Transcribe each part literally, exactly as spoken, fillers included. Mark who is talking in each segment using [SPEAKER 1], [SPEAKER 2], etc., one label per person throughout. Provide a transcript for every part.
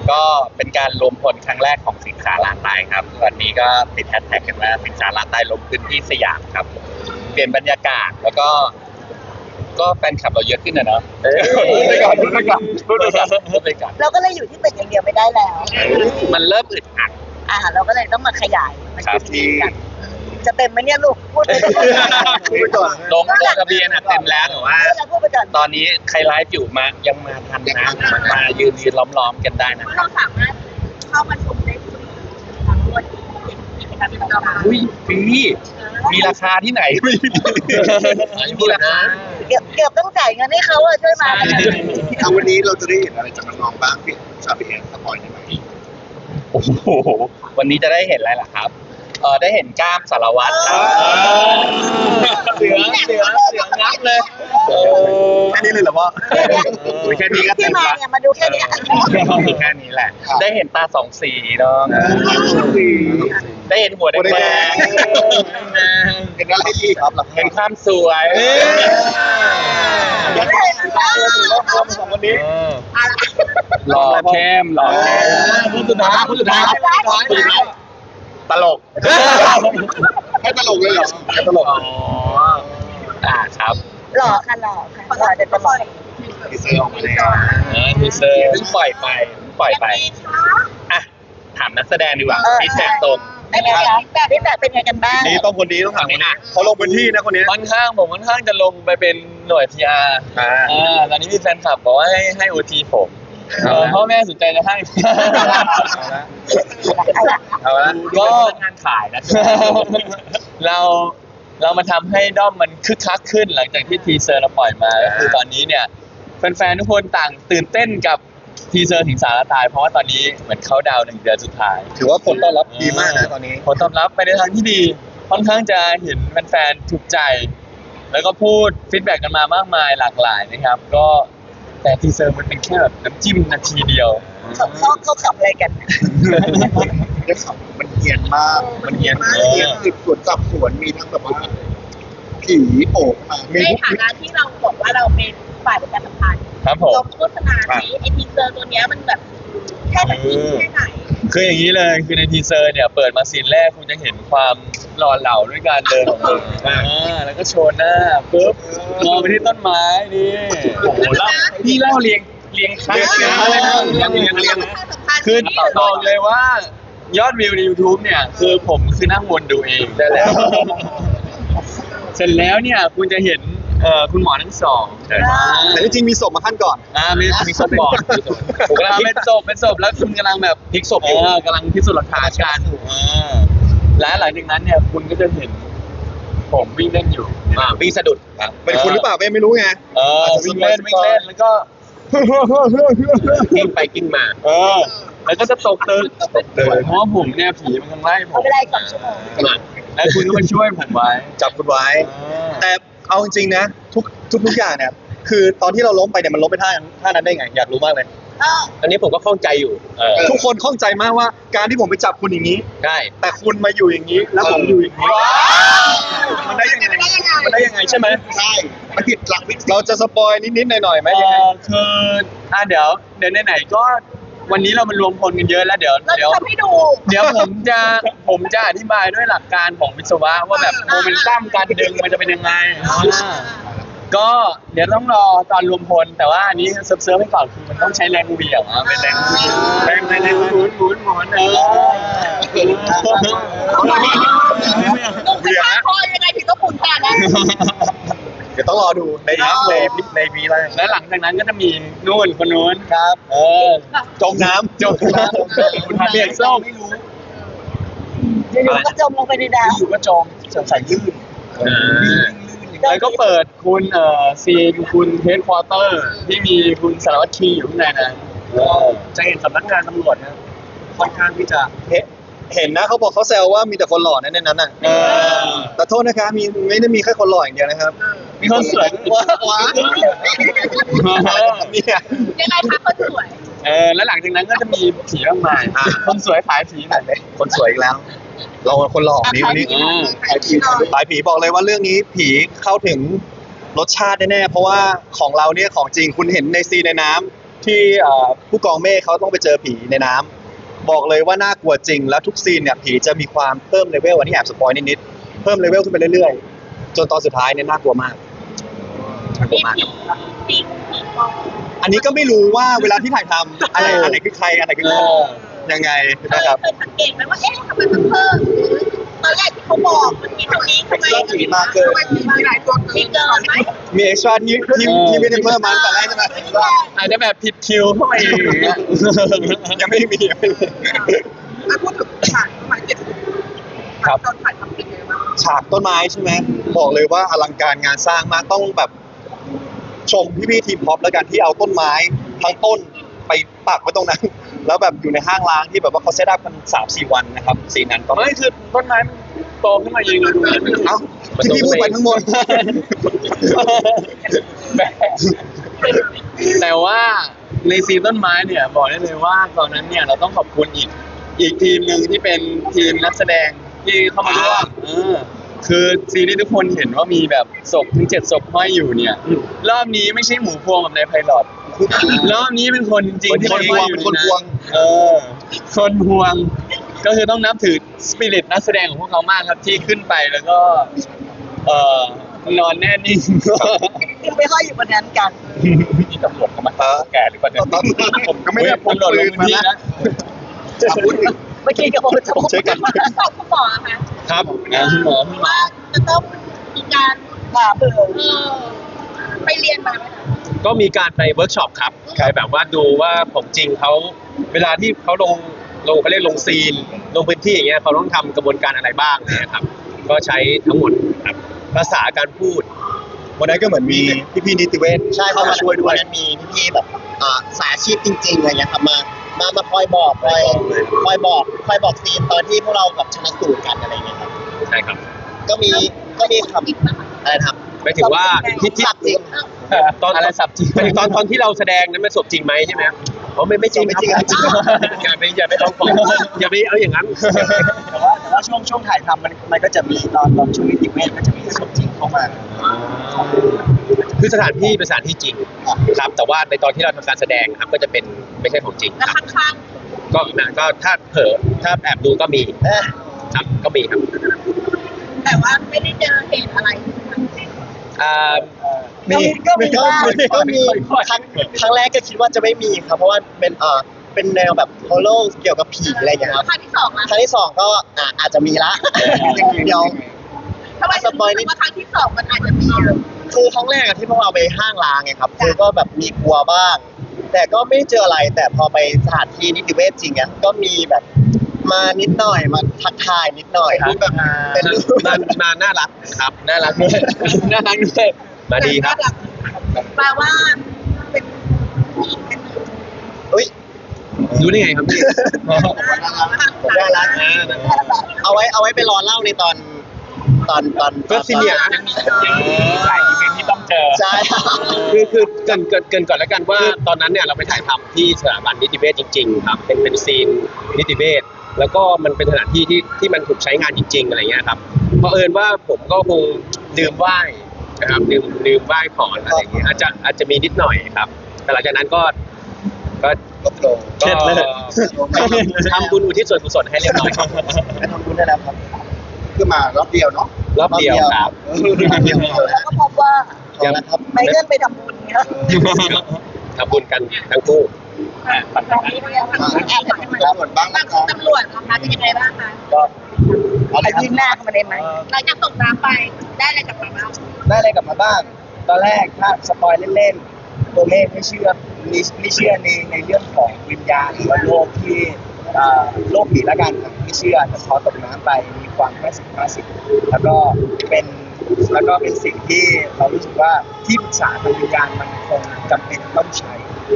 [SPEAKER 1] ก็เป็นการรวมพลครั้งแรกของสิงสาราตายครับวันนี้ก็ติดแฮชแท็กกันว่าสิงสาราตายลงพื้นที่สยามครับเปลี่ยนบรรยากาศแล้วก็ก็แฟนคลับเราเยอะขึ้นนะเนาะพูดไปก่อนพูดไปก่อนพูดไปก่อนพูดไปก่อน
[SPEAKER 2] เราก็เลยอยู่ที่ตึกอย่างเดียวไม่ได้แล้ว
[SPEAKER 1] มันเริ่มอึดอัด
[SPEAKER 2] อ่าเราก็เลยต้องมาขยายมัน
[SPEAKER 1] ครับที่
[SPEAKER 2] จะเต็มไหมเนี่ยลูกพูดไปก่อน
[SPEAKER 1] ลงลงทะเบียนอ่ะเต็มแล้วแต่ว่าตอนนี้ใครไลฟ์อยู่มายังมาทันนะมายืนยืนล้อมๆกันได้นะครั
[SPEAKER 3] เรา
[SPEAKER 1] บ
[SPEAKER 3] สามารถเข้ามาชมได้ฟรีทั้งวันกิจกรรมที่เราทำ
[SPEAKER 1] อุ้ยฟรีมีราคาที่ไหนไม่มีราคา
[SPEAKER 2] เกือบเกือบต้องจ่ายเงินให้เขาอะช่วยมา
[SPEAKER 4] เอาวันนี้เราจะได้เห็นอะไรจากน้องๆบ้างพี่ชาบีเอ็นสปอยได้ไหม
[SPEAKER 1] โอ้โหวันนี้จะได้เห็นอะไรล่ะครับเออได้เห็นกล้ามสารวัตรครับเสือเสือเสืองับเลยแค่นี้เลยเหรอพ่อแค่นี้ก็เต็
[SPEAKER 2] ที่
[SPEAKER 1] ม
[SPEAKER 2] มา
[SPEAKER 1] ละ
[SPEAKER 2] เนี่ยมาดูแค่นี้
[SPEAKER 1] แค่นี้แหละ ได้เห็นตาสองสีเนาะได้เห็นหัวแดง
[SPEAKER 4] เห็นอะไรอีกครับ
[SPEAKER 1] เห็นความสวย
[SPEAKER 2] ยังไม่เห็นเลย
[SPEAKER 4] รวมสองวันนี้
[SPEAKER 1] หล่อเข้มหล่อเข้ม
[SPEAKER 4] พูดสุดท้ายพูดสุดท้ายพูดสุดท้าย
[SPEAKER 1] ตลก
[SPEAKER 4] ให้ตลกเลยเหรอให้ตลก
[SPEAKER 1] อ๋ออ่าครับ
[SPEAKER 2] หล่อค่ะหล่อค่ะหล่อจะตลอด
[SPEAKER 4] ทีเซอร์ออกมาแล้ว
[SPEAKER 1] ทีเซอร์เพิ่งปล่อยไปเพิ่งปล่อยไปอ่ะถามนักแสดงดีกว่าพี่แจ็คตรง
[SPEAKER 2] เป็นไงคะพี่แบบเป็นไงกันบ้าง
[SPEAKER 4] นี่ต้องคนนี้ต้องถามคนนี้เขาลงพื้นที่นะคนนี้
[SPEAKER 5] ค่อนข้างผมค่อนข้างจะลงไปเป็นหน่วย พี อาร์
[SPEAKER 4] อ่า
[SPEAKER 5] อ่าตอนนี้มีแฟนคลับบอกว่าให้ให้โอทีผมเออพ่อแม่สนใจจะให้
[SPEAKER 4] เอาละ
[SPEAKER 1] ก็งานขายนะ
[SPEAKER 5] เราเรามาทำให้ด้อมมันคึกคักขึ้นหลังจากที่ทีเซอร์เราปล่อยมาก็คือตอนนี้เนี่ยแฟนๆทุกคนต่างตื่นเต้นกับทีเซอร์ถึงสารตายเพราะว่าตอนนี้เหมือนเขาดาวน์หนึ่งเดือนสุดท้าย
[SPEAKER 4] ถือว่าผลต้อนรับดีมากนะตอนนี้
[SPEAKER 5] ผลตอบรับไปในทางที่ดีค่อนข้างจะเห็นแฟนๆถูกใจ แล้วก็พูดฟีดแบ็กกันมามากมายหลากหลายนะครับ ก็แต่ทีเซอร์มันเป็นแค่แบบน้ำจิ้มนาทีเดียว
[SPEAKER 2] เขาเขาเขาขับอะไรกัน
[SPEAKER 4] ได้ขับมันเฮียนมาก มันเฮียนมากเฮียนสืบสวนจับสวนมีทั้งแบบว่าผีโผล่มามี
[SPEAKER 3] ใน
[SPEAKER 4] ทุก
[SPEAKER 3] ฐานะที่เราบอกว่าเราเป็นฝ่ายประชาสัมพันธ์
[SPEAKER 5] ครับผม
[SPEAKER 3] ลงโฆษณาที่ไอทีเซอร์ตัวเนี้ยมันแบบแค่ไหนแค่ไหน
[SPEAKER 5] คืออย่างนี้เลยคือในทีเซอร์เนี่ยเปิดมาซีนแรกคุณจะเห็นความหล่อเหลาด้วยการเดินของผมอ่าแล้วก็โชว์หน้าปุ๊บมองไปที่ต้นไม้นี่โอ้โหเล่าพี่เล่าเรียงเรียงคัน
[SPEAKER 4] เรียงอะไรนะเรียงเรียงเรียง
[SPEAKER 5] คือบอกเลยว่ายอดวิวใน YouTube เนี่ยคือผมคือนั่งวนดูเองได้แล้ว เสร็จแล้วเนี่ยคุณจะเห็นเอ่อคุณหมอทั้งสอง
[SPEAKER 4] แต่ที่จริงมีศพมาขั้นก่อน
[SPEAKER 5] อ่ามีมีศพก่อนผมกำลังเป็นศพเป็นศพแล้วคุณกำลังแบบพลิกศพอยู่กำลังพิสูจน์หลักฐานกันอ่าและหลังจากนั้นเนี่ยคุณก็จะเห็นผมวิ่งเล่นอยู่
[SPEAKER 1] อ่าวิ่งสะดุดครับ
[SPEAKER 4] เป็นคุณหรือเปล่าไม่รู้ไง
[SPEAKER 5] เออวิ่งเล่นวิ่งเล่นแล้วก็
[SPEAKER 1] กิ้งไปกิ้งมา
[SPEAKER 5] เออแล้วก็จะตกตึกเพราะว่าผมเนี่ยผีมันกำลังไล่ผ
[SPEAKER 2] เขา
[SPEAKER 5] ม
[SPEAKER 2] ไปไล่สองชั่วโมง
[SPEAKER 5] แล้วคุณก็มาช่วยผมไว้
[SPEAKER 4] จับคุณไว้ แต่เอาจริงๆนะทุกทุกทุกอย่างเนี่ยคือตอนที่เราล้มไปเนี่ยมันล้มไปท่าท่านั้นได้ไงอยากรู้มากเลย
[SPEAKER 1] อันนี้ผมก็ข้องใจอยู่เออ
[SPEAKER 4] ทุกคนข้องใจมากว่าการที่ผมไปจับคุณอย่างนี้
[SPEAKER 1] ได้
[SPEAKER 4] แต่คุณมาอยู่อย่างนี้ แล้วผมอยู่อย่างนี้มันได้ยังไงมันได้ยังไงใช่ไหมใช่มันผิดหลักวิธีเราจะสปอยนิดๆหน่อยๆไหม
[SPEAKER 5] เอ
[SPEAKER 4] ยังไง
[SPEAKER 5] อคืออ่ะเดี๋ยวเดี๋ยวไหนๆก็วันนี้เรามันรวมพลกันเยอะแล้วเดี๋ยว
[SPEAKER 3] เรา
[SPEAKER 5] เดี๋
[SPEAKER 3] จะ
[SPEAKER 5] ยว
[SPEAKER 3] ทำให้ดู
[SPEAKER 5] เดี๋ยวผมจะผมจะอธิบายด้วยหลักการของวิศวะว่าแบบโมเมนตัมการดึงมันจะเป็นยังไงก็เดี๋ยวต้องรอตอนรวมพลแต่ว่าอันนี้เซิร์ฟเซิร์ฟให้ก่อนคือมันต้องใช้แรงเหวี่ยงอ่ะเป็นแรงเหวี่ยงแรงแรงแรงหมุนหมุนหมุนเออ
[SPEAKER 3] ลุงจะฆ่าพ่อยังไงถึงต้องขุนขนาดนั้น
[SPEAKER 4] เดี๋ยวต้องรอดูในในในวีไลน์
[SPEAKER 5] แล้วหลังจากนั้นก็จะมีนู่นคนนู้น
[SPEAKER 4] ครับ
[SPEAKER 5] เออ
[SPEAKER 4] จมน้ำ
[SPEAKER 5] จบแล้วคุณทำเรียนส้ม
[SPEAKER 2] อยู่ๆก็จมลงไปในน้
[SPEAKER 5] อยู่ก็จมสงสัยลื่น
[SPEAKER 1] อ่า
[SPEAKER 5] แล้วก็เปิดคุณเอ่อซีนคุณเฮดควอเตอร์ที่มีคุณสารวัตรคีอยู่ข้างในนั้นจะเห็นสำนักงานตำรวจนะค่อนข้างที่จะ
[SPEAKER 4] เห็นนะเขาบอกเขาแซวว่ามีแต่คนหล่อในนั้นน่ะ
[SPEAKER 5] เออ
[SPEAKER 4] แต่โทษนะครับมีไม่ได้มีแค่คนหล่ออย่างเดียวนะครับ
[SPEAKER 5] มีคนสวย
[SPEAKER 4] ว้าว้าเนี่ย
[SPEAKER 3] ยังไงคะคนสวย
[SPEAKER 5] เออแล้วหลังจากนั้นก็จะมีผีมากมายคนสวยขายผีหน่อย
[SPEAKER 4] คนสวยอีกแล้ว เราคนหล่อนี้วันนี้
[SPEAKER 5] อืม
[SPEAKER 4] ขายผีขายผีบอกเลยว่าเรื่องนี้ผีเข้าถึงรสชาติแน่ๆเพราะว่าของเราเนี่ยของจริงคุณเห็นในซีนในน้ำที่เอ่อผู้กองเมฆเขาต้องไปเจอผีในน้ำบอกเลยว่าน่ากลัวจริงแล้วทุกซีนเนี่ยผีจะมีความเพิ่มเลเวลอันนี้แอบสปอยนิดๆเพิ่มเลเวลขึ้นไปเรื่อยๆจนตอนสุดท้ายเนี่ยน่ากลัวมากน่ากลั
[SPEAKER 3] มี
[SPEAKER 4] วมาก
[SPEAKER 3] ผีผีผีมอง
[SPEAKER 4] อันนี้ก็ไม่รู้ว่าเวลาที่ถ่ายทำอะไรอันไหนคือใครอันไหนคือใครยังไง
[SPEAKER 3] เคย
[SPEAKER 4] นะครับ
[SPEAKER 3] เคยสังเกตไหมว่าเอ๊ะทำไมมันเพิ่มหรือตอนแรกที่เขาบอกมันมีเท่านี้ทำไม
[SPEAKER 4] ผีมาเกิน
[SPEAKER 3] ทำไมมีหลายตัวมีเกินไหม
[SPEAKER 4] มีเอ็กซ์ตร้าที่ที่ที่ไม่ได้เพิ่มมาตั้งแต่แรกใช่ไหม
[SPEAKER 5] อาจจะแบบผิดคิวเข้าไปอย่างเงี้ย
[SPEAKER 4] ยังไม่มียังไม่มี
[SPEAKER 3] ถ้าพูดถึงฉากหมายเจ็ด
[SPEAKER 4] ครับ
[SPEAKER 3] ตอนถ่ายทำเป็นไงบ้าง
[SPEAKER 4] ฉากต้นไม้ใช่ไหมบอกเลยว่าอลังการงานสร้างมากต้องแบบชมพี่ๆทีมพ็อปแล้วกันที่เอาต้นไม้ทั้งต้นไปปักไว้ตรงนั้น แล้วแบบอยู่ในห้างร้างที่แบบว่าเขาเซตอัพกันสามสี่วันนะครับสีนั้นก็
[SPEAKER 5] ไม่คือต้นไม้มันโตขึ้นมาเองเลยดูแล้ว
[SPEAKER 4] เอ้าที่พี่พูดไปทั้งหมด
[SPEAKER 5] แต่ว่าในซีนต้นไม้เนี่ยบอกได้เลยว่าตอนนั้นเนี่ยเราต้องขอบคุณอีกอีกทีมหนึ่งที่เป็นทีมนักแสดงที่เข้ามาร่วม
[SPEAKER 4] อ่า
[SPEAKER 5] เออคือซีนที่ทุกคนเห็นว่ามีแบบศพถึงเจ็ดศพห้อยอยู่เนี่ย รอบนี้ไม่ใช่หมูพวงแบบในไพลอตรอบนี้เป็นคนจริงๆที่
[SPEAKER 4] คน
[SPEAKER 5] ห้
[SPEAKER 4] พ
[SPEAKER 5] อ
[SPEAKER 4] วย ง
[SPEAKER 5] อยู่
[SPEAKER 4] เป็นคน
[SPEAKER 5] ใ
[SPEAKER 4] พวง
[SPEAKER 5] เออคนพวง ก็คือต้องนับถือสปิริตนักแสดงของพวกเขามากครับที่ขึ้นไปแล้วก็ เอ่อนอนแน่นิ่ง
[SPEAKER 2] คือไปห้อยอยู่บนนั้นกัน
[SPEAKER 1] มีตำรวจเข้ามาแก่หรือเปล่าเนี่ย
[SPEAKER 4] ผมก็ไม่ได้
[SPEAKER 5] ผมโดดลงพื้นที่นะ
[SPEAKER 2] เมื่อกี้กับโอ๊ตจะบอก
[SPEAKER 4] ช่วยกัน
[SPEAKER 3] สอบคุณหมอคะ
[SPEAKER 5] ครับนะคุณหมอคุณหมอ
[SPEAKER 3] ว่าจะต้องมีการ
[SPEAKER 2] ผ่าเบื่อ
[SPEAKER 3] เออไปเรียนมาไหมคะ
[SPEAKER 6] ก็มีการไปเวิร์กช็อปครับไปแบบว่าดูว่าของจริงเขาเวลาที่เขาลงลงเขาเรียกลงซีน ลงพื้นที่อย่างเงี้ยเขาต้องทำกระบวนการอะไรบ้างเนี่ยครับ ก็ใช้ทั้งหมดครับภาษาการพูด
[SPEAKER 4] วันนั้นก็เหมือนมีพี่ๆนิติเวช
[SPEAKER 7] ใช่
[SPEAKER 4] เข้ามาช่วยด้วย
[SPEAKER 7] นนั้นมีพี่ๆแบบอ่าสายอาชีพจริงๆอะไรเงี้ยครับมามามาคอยบอกคอยคอยบอกคอยบอกซีนตอนที่พวกเราแบบชนะสูตรกันอะไรเงี้ยครับ
[SPEAKER 6] ใช่ครับ
[SPEAKER 7] ก็มีก็มีค
[SPEAKER 3] อีกนะคะ
[SPEAKER 7] ำอะไรนะครับ
[SPEAKER 6] หมายถึงว่าที่ที่
[SPEAKER 7] สับจริง
[SPEAKER 6] ตอน
[SPEAKER 5] อะไรสับจริง
[SPEAKER 6] หมายถึงตอนตอนที่เราแสดงนั้นมันสดจริงไหมใช่ไหมอ๋อไม่ไม่จริง
[SPEAKER 7] ไม่จริง
[SPEAKER 6] ค
[SPEAKER 7] ครั
[SPEAKER 6] อย่าไปอย่าไปลองของอย่าไปเอาอย่างนั้น
[SPEAKER 7] แต่ว่าแต่ว่าช่วงช่วงถ่ายทำมันมันก็จะมีตอนตอนช่วงนิติเวชก็จะมีสมจริงเข้ามา
[SPEAKER 6] คือสถานที่เป็นสถานที่จริงครับ แต่ว่าในตอนที่เราทำการแสดงครับก็จะเป็นไม่ใช่ของจริง
[SPEAKER 3] แล้ว
[SPEAKER 6] ครับ
[SPEAKER 3] ข้าง
[SPEAKER 6] ก็นะก็ถ้าเผลอถ้าแอบดูก็มี
[SPEAKER 7] เอ๊ะ
[SPEAKER 6] ครับก็มีครับ
[SPEAKER 3] ๆแต่ว่าไม่ได้เจอเหตุอะไร
[SPEAKER 6] อ่า
[SPEAKER 4] มี
[SPEAKER 2] ก็มี
[SPEAKER 7] ก็
[SPEAKER 2] บ้าง
[SPEAKER 7] มีก็มีครั้งครั้งแรกก็คิดว่าจะไม่มีครับเพราะว่าเป็นเอ่อเป็นแนวแบบโฮโลเกี่ยวกับผีอะไรอย่างเงี้ยครับ
[SPEAKER 3] ครั้งที่สองอะ
[SPEAKER 7] ครั้งที่สองก็อ่ะอาจจะมีละเดี๋ยว
[SPEAKER 3] ทำไมถึงรู้สึกว่าครั้งที่สองมันอาจจะมีอะ
[SPEAKER 7] คือครั้งแรกอะที่พวกเราไปห้างร้างไงครับคือก็แบบมีกลัวบ้าง แต่ก็ไม่ได้เจออะไร แต่พอไปสถานที่นิติเวชจริงอะก็มีแบบมานิดหน่อยมาทักทายนิดหน่อยรูปแบบเป็นรูป
[SPEAKER 6] มามาน่ารักครับ
[SPEAKER 5] น่ารักด้วยน่ารักด้วย
[SPEAKER 6] มาดีครับ
[SPEAKER 3] แปลว่าเป็นผู้หญิงเป็น
[SPEAKER 7] อุ้ย
[SPEAKER 6] รู้ได้ไงครับพี่
[SPEAKER 7] น่ารักนะเอาไว้เอาไว้ไปรอเล่าในตอนตอนตอน
[SPEAKER 6] เฟิร์สซีเนียร์
[SPEAKER 1] ยังมียังมีหลายอีเวนท์ที่ต้องเจอ
[SPEAKER 7] ใช่
[SPEAKER 6] คือคือเกรินเกรินเกรินก่อนแล้วกันว่าตอนนั้นเนี่ยเราไปถ่ายทำที่สถาบันนิติเวชจริงๆครับเป็นเป็นซีนนิติเวชแล้วก็มันเป็นสถานที่ที่ที่มันถูกใช้งานจริง ๆอะไรเงี้ยครับเพราะเอิญว่าผมก็คงลืมไหว้นะครับลืมลืมไหว้ก่อนอะไรอย่างเงี้ยอาจจะอาจจะมีนิดหน่อยครับ แต่หลังจากนั้นก็ก็
[SPEAKER 7] ก็โปร
[SPEAKER 6] ก็ทำบุญอุทิศส่วนกุศลให้เรียบร้อยครับ
[SPEAKER 7] ไปทำบุญได้แล้วครับคือมารอบเดียวเนาะ
[SPEAKER 6] รอบเดียวครับ
[SPEAKER 7] รอบเดียว
[SPEAKER 2] แล้วก็พบว่า
[SPEAKER 7] เอาละครับ
[SPEAKER 2] ไมเคิลไปทำบุญเนี่ย
[SPEAKER 6] ทำบุญกันทั้งคู่
[SPEAKER 3] ตรงนี้เนี่ยทางแอบทำให้มัน
[SPEAKER 7] ตำรวจบ้าง
[SPEAKER 3] ทา
[SPEAKER 7] นะ
[SPEAKER 3] ง
[SPEAKER 7] ครับ
[SPEAKER 3] ตำรวจนะคะเป็นยังไงบ้างคะ
[SPEAKER 7] ก็อะไร
[SPEAKER 2] ไอ้
[SPEAKER 7] ครับ
[SPEAKER 2] ยิงหน้าเข้ามาได้ไหม
[SPEAKER 3] หลังจากตกน้ำไปได้อะไรกลับมาบ้าง
[SPEAKER 7] ได้อะไรกลับมาบ้าง ตอนแรกถ้าสปอยเล่นๆตัวเลขไม่เชื่อไม่ไม่เชื่อในในเรื่องของวิญญาณหรือว่าโลกที่เอ่อโลกผีละกันครับไม่เชื่อแต่พอตกน้ำไปมีความห้าสิบห้าสิบแล้วก็เป็นแล้วก็เป็นสิ่งที่เรารู้สึกว่าที่ปรึกษาทางวิญญาณมันคงจำเป็นต้องใช้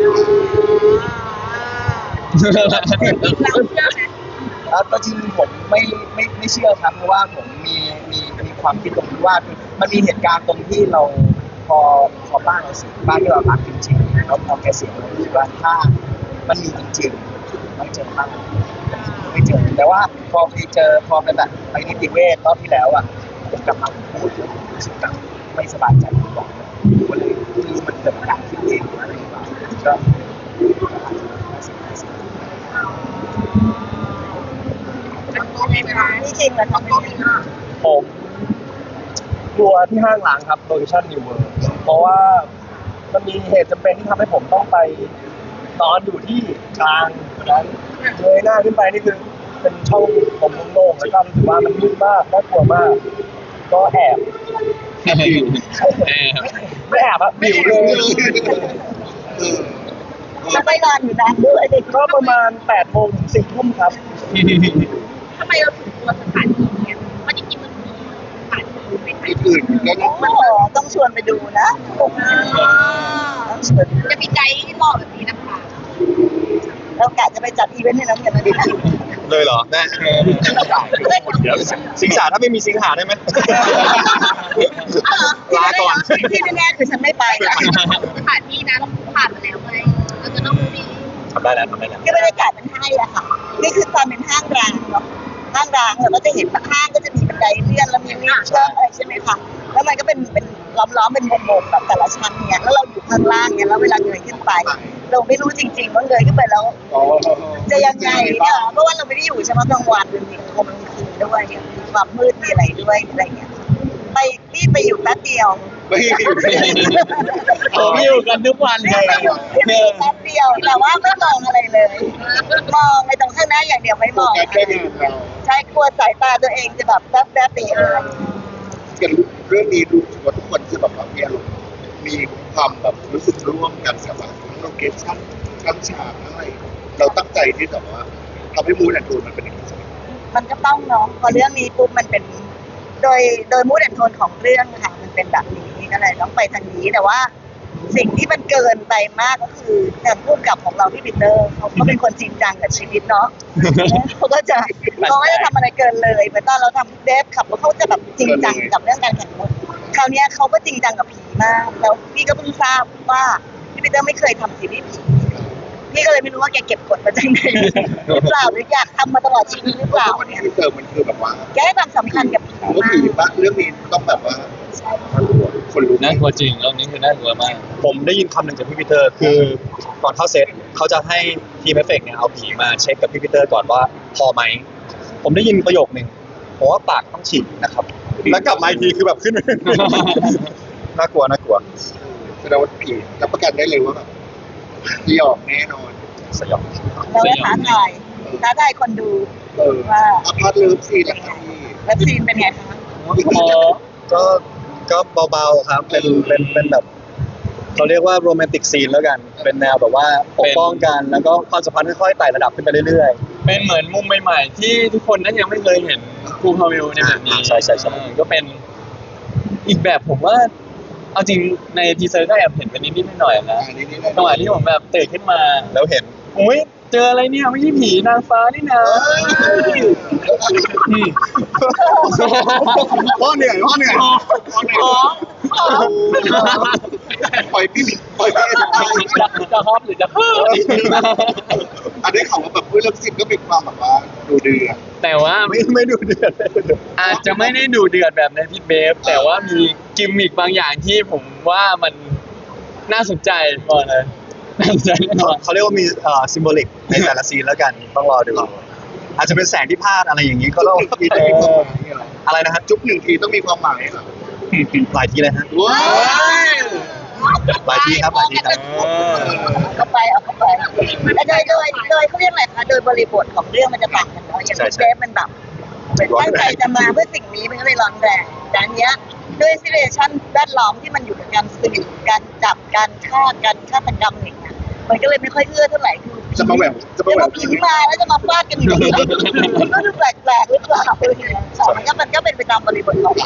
[SPEAKER 3] เราเชื่อไหม
[SPEAKER 7] แล้วก็จริงๆผมไม่ไม่ไม่เชื่อครับเพราะว่าผมมีมีมีความคิดตรงที่ว่าคือมันมีเหตุการณ์ตรงที่เราพอพอบ้านเราเสียบ้านที่เรารักจริงๆแล้วพอแกเสียเราคิดว่าถ้ามันมีจริงๆต้องเจอบ้างไม่เจอแต่ว่าพอไปเจอพอไปแบบไปนิติเวชรอบที่แล้วอ่ะผมกลับมาพูดรู้สึกแบบไม่สบายใจผมบอกก็เลยที่มันเกิดจากการคิดเองหรืออะไรหรือเปล่าก็
[SPEAKER 3] ไหมคะ
[SPEAKER 2] นี่จริงเหรอคะ
[SPEAKER 3] ก็มีค่ะ
[SPEAKER 7] ผมกลัวที่ห้างล้างครับโลเคชั่นนิวเวิร์เพราะว่ามันมีเหตุจำเป็นที่ทำให้ผมต้องไปนอนอยู่ที่กลางนั้นเงยหน้าขึ้นไปนี่คือเป็นช่องผมโล่งๆแล้วก็รู้สึกว่ามันมืดมากน่ากลัวมาก ก็แอบ
[SPEAKER 5] เออ
[SPEAKER 7] ไม่แอบอะบิวเลย
[SPEAKER 2] แล้วไปนอนอยู่นานด้วยดิ
[SPEAKER 7] ก็ประมาณแปดโมงถึงสี่ทุ่มครับ
[SPEAKER 3] ทำไมเราถึงกลัวสถานที่เนี่ยเพราะจริงๆมันมีสถานที่ไปถ่าย
[SPEAKER 4] อื่นแล้วก็
[SPEAKER 2] โอ้โหต้องชวนไปดูนะต้องชวน
[SPEAKER 3] จะมีไกด์ที่บอกแบบนี้นะคะ
[SPEAKER 2] เรากะจะไปจัดอีเวนต์ให้น้องกันนะดินะ
[SPEAKER 4] เลยเหรอแม่เดี๋ยวสิงสาถ้าไม่มีสิงหาได้ไหม ลาก่อน
[SPEAKER 2] ที่แน่ๆคือฉันไม่ไปนะ
[SPEAKER 3] สถานที่นะเราผ่านมาแล้วไงเราจะต้องมี
[SPEAKER 1] ทำได้แล้วทำได้แล้ว
[SPEAKER 2] ก็บรรยากาศมันให้อะค่ะ นี่คือความเป็นห้างร้างเนาะ ห้างร้างเราก็จะเห็นห้างก็จะมีบันไดเลื่อนแล้วมีลิฟต์เชื่อมอะไรใช่ไหมคะ แล้วมันก็เป็นเป็นล้อมๆเป็นวงๆแบบแต่ละชั้นเนี่ย แล้วเราอยู่ข้างล่างเนี่ยแล้วเวลาเงยขึ้นไป เราไม่รู้จริงๆว่าเงยขึ้นไปแล้ว จะยังไงเนี่ยเพราะว่าเราไม่ได้อยู่เฉพาะกลางวันมันมีกลางคืนด้วยมีความมืดมีอะไรด้วยอะไรเงี้ย ไปนี่ไปอยู่แป๊บเดียว
[SPEAKER 4] ไม่อยู่
[SPEAKER 5] ผมอยู่กันทุกวัน
[SPEAKER 2] นี่
[SPEAKER 5] เลย
[SPEAKER 2] ไปอยู่ที่นี่แป๊บเดียว แต่ว่าไม่มองอะไรเลย มองไปตรงข้างหน้าอย่างเดียวไม่มอง
[SPEAKER 4] การแค่งานเรา
[SPEAKER 2] ใช้กลัวสายตาตัวเองจะแบบแป๊บแป๊บๆไปเอง
[SPEAKER 8] กันเรื่องนี้รู้สึกว่าทุกคนคือแบบว่ามีอารมณ์มีความแบบรู้สึกร่วมกันกับแบบทั้งโลเคชั่นทั้งฉากทั้งอะไรเราตั้งใจที่แบบว่าทำให้มูดแอนด์โทนมันเป็นอย่างนี้
[SPEAKER 2] มันก็ต้องเนาะพอเรื่องนี้ปุ๊บมันเป็น โดยโดยมูดแอนโทนของเรื่องค่ะมันเป็นแบบนี้ก็เลยต้องไปทางนี้แต่ว่า สิ่งที่มันเกินไปมากก็คืออย่างผู้กำกับของเราที่ปีเตอร์เขาก็เป็นคนจริงจังกับชีวิตเนาะ เขาก็จะเขาไม่ได้ทำอะไรเกินเลยเหมือนตอนเราทำเดฟขับรถเขาจะแบบจริงจังกับเรื่องการแข่งรถคราวเนี้ยเขาก็จริงจังกับผีมากแล้วพี่ก็เพิ่งทราบว่าพี่ปีเตอร์ไม่เคยทำซีรีส์ผีพี่ก็เลยไม่รู้ว่าแกเก็บกดมาจากไหนหรือเปล่าหรืออยากทำมาตลอดชีวิตหรือเปล่า
[SPEAKER 8] วันนี้
[SPEAKER 2] เนี่ย
[SPEAKER 8] ที่เติมมันคือแบบว่า
[SPEAKER 2] แกให้ความสำคัญกับผี
[SPEAKER 8] ผมว่า
[SPEAKER 2] มา
[SPEAKER 8] ผี
[SPEAKER 2] ก
[SPEAKER 8] ปะเรื่องนี้ต้องแบบว่าคนรู้
[SPEAKER 5] น่ากลัวจริงรอบนี้คือน่ากลัวมาก
[SPEAKER 4] ผมได้ยินคำหนึ่งจากพี่ปีเตอร์คือก่อนเข้าเซตเขาจะให้ทีมเอฟเฟกต์เนี่ยเอาผีมาเช็คกับพี่ปีเตอร์ก่อนว่าพอไหม ผมได้ยินประโยคหนึ่งผมว่าปากต้องฉีกนะครับ แล้วกลับมาอีกทีคือแบบขึ้น น่ากลัวน่ากลัว
[SPEAKER 8] แสดงว่าผีรับประกันได้เลยว่าแบบที่ออกแน่นอน
[SPEAKER 4] สยอง
[SPEAKER 2] เราก็ท้าทายท้าทายคนดู
[SPEAKER 8] เออ
[SPEAKER 2] ว่า
[SPEAKER 8] อพาร์ตเลิฟซีนนะครับพี่
[SPEAKER 2] เว็บซีนเป็นไงคะ
[SPEAKER 4] ก็ก็เบาๆครับ เป็นเป็นเป็นแบบเขาเรียกว่าโรแมนติกซีนแล้วกัน เป็นแนวแบบว่าปกป้องกันแล้วก็ความสัมพันธ์ค่อยๆไต่ระดับขึ้นไปเรื่อย
[SPEAKER 5] เป็นเหมือนมุมใหม่ๆ ที่ทุกคนนั้นยังไม่เคยเห็นครูพาเวลในแบบนี้
[SPEAKER 4] ใช่ใช่ใช่
[SPEAKER 5] เออก็เป็นอีกแบบผมว่า เอาจริงในทีเซอร์ก็แอบเห็นไปนิดๆหน่อยๆนะ
[SPEAKER 8] อันนี้นี่
[SPEAKER 5] จังหวะที่ผมแบบตื่นขึ้นมา
[SPEAKER 4] ๆแล้วเห็น
[SPEAKER 5] โอ้ยเจออะไรเนี่ยไม่ใช่ผีนางฟ้านี่นะอืม
[SPEAKER 4] พ่อเหนื่อยพ่อเหนื่อย
[SPEAKER 8] ปล่อยพี่ปล่อยพี่
[SPEAKER 5] จะจะฮอปหรือจะเพิ่ม
[SPEAKER 8] อันนี้เขาว่าแบบเพื่อนเลิฟซีนก็มีความแบบว่าดูเดือด
[SPEAKER 5] แต่ว่า
[SPEAKER 4] ไม่ไม่ดูเดือด
[SPEAKER 5] อาจจะไม่ได้ดูเดือดแบบในพิทเบฟแต่ว่ามีกิมมิกบางอย่างที่ผมว่ามันน่าสนใจก่อนเลยน่าสนใจแน่นอน
[SPEAKER 4] เขาเรียกว่ามีเอ่อซิมโบลิกในแต่ละซีนแล้วกันต้องรอดูอาจจะเป็นแสงที่พลาดอะไรอย่างนี้ก็ต้อง
[SPEAKER 8] มีแต่มีความหมายอะไร
[SPEAKER 4] อะไรนะฮะ
[SPEAKER 8] จุ๊บหนึ่งทีต้องมีความหมายเหรอ
[SPEAKER 4] หลายทีเลยฮะ
[SPEAKER 8] ว้าว
[SPEAKER 4] หลายทีครับหลายทีครับ
[SPEAKER 2] เอาเข้าไปเอาเข้าไปแต่โดยโดยโดยเขาเรียกอะไรคะโดยบริบทของเรื่องมันจะต่างกันเนาะอย่างเดฟมันแบบเหมือนตั้งใจจะมาเพื่อสิ่งนี้มันก็เลยร้อนแรงแต่อันเนี้ยด้วยซิเรชั่นแวดล้อมที่มันอยู่กับการสืบการจับการฆ่าการฆาตกรรมอย่างเงี้ยมันก็เลยไม่ค่อยเอื้อเท่าไหร่คือ
[SPEAKER 8] จะมาแหววจะมา
[SPEAKER 2] จะ
[SPEAKER 8] แหว
[SPEAKER 2] มาว ผีมาแล้วจะมาฟาดกันอย่างนี้มันก็ดูแปลกๆหรือเปล่ามันก็มันก็เป็นไปตามบริบทของมัน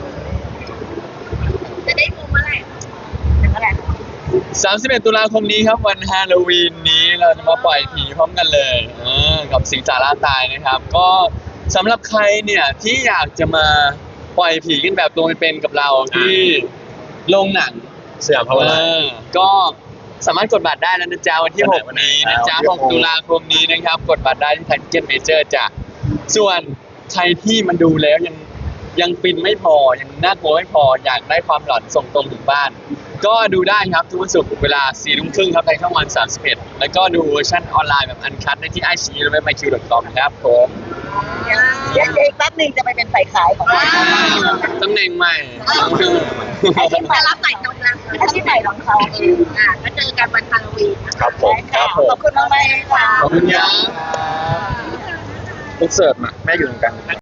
[SPEAKER 3] จะได้ดูเมื่อไหร่
[SPEAKER 2] เป็นอะไร
[SPEAKER 5] สามสิบเอ็ดตุลาคมนี้ครับวันฮาโลวีนนี้เราจะมาปล่อยผีพร้อมกันเลยเออกับสิงสาราตายนะครับ ก็สำหรับใครเนี่ยที่อยากจะมาปล่อยผีกันแบบตัวเป็นๆกับเราที่โรงหนัง
[SPEAKER 4] สยามพาวเวอร์ไลน์
[SPEAKER 5] เออก็สามารถกดบัตรได้แล้วนะจ๊ะวันที่
[SPEAKER 4] วันไหน
[SPEAKER 5] หก
[SPEAKER 4] วันไหน
[SPEAKER 5] นี้นะจ๊ะ
[SPEAKER 4] วันที่
[SPEAKER 5] ห
[SPEAKER 4] ห
[SPEAKER 5] ก
[SPEAKER 4] ก
[SPEAKER 5] ตุลาคมนี้นะครับ กดบัตรได้ที่ไทยทิเก็ตเมเจอร์จ้ะส่วนใครที่มันดูแล้วยังยังฟินไม่พอยังน่ากลัวไม่พออยากได้ความหลอนส่งตรงถึงบ้าน ก็ดูได้ครับทุกวันศุกร์เวลาสี่ทุ่มครึ่งครับทางช่องวันสามสิบเอ็ดแล้วก็ดูเวอร์ชันออนไลน์แบบอันคัทได้ที่ไอซีหรือเว็บไมคิวดอทคอมครับผม
[SPEAKER 8] อ
[SPEAKER 2] เดี๋ยวอีกแป๊บหนึงจะไปเป็นฝ่ายขายของเรา
[SPEAKER 5] ตำแหน่งใหม่
[SPEAKER 2] อาชีพใหม่
[SPEAKER 3] จะรับสายตรงแล้ว
[SPEAKER 2] อาชีพใหม่ของเขา
[SPEAKER 3] อ่าก็เจอกันวันฮาโลวีน
[SPEAKER 4] ครับผม
[SPEAKER 2] ค่ะขอบคุณมากๆค่ะ
[SPEAKER 5] ขอบคุณครับอินเสิร์ตมาแม่อยู่ตรงกลาง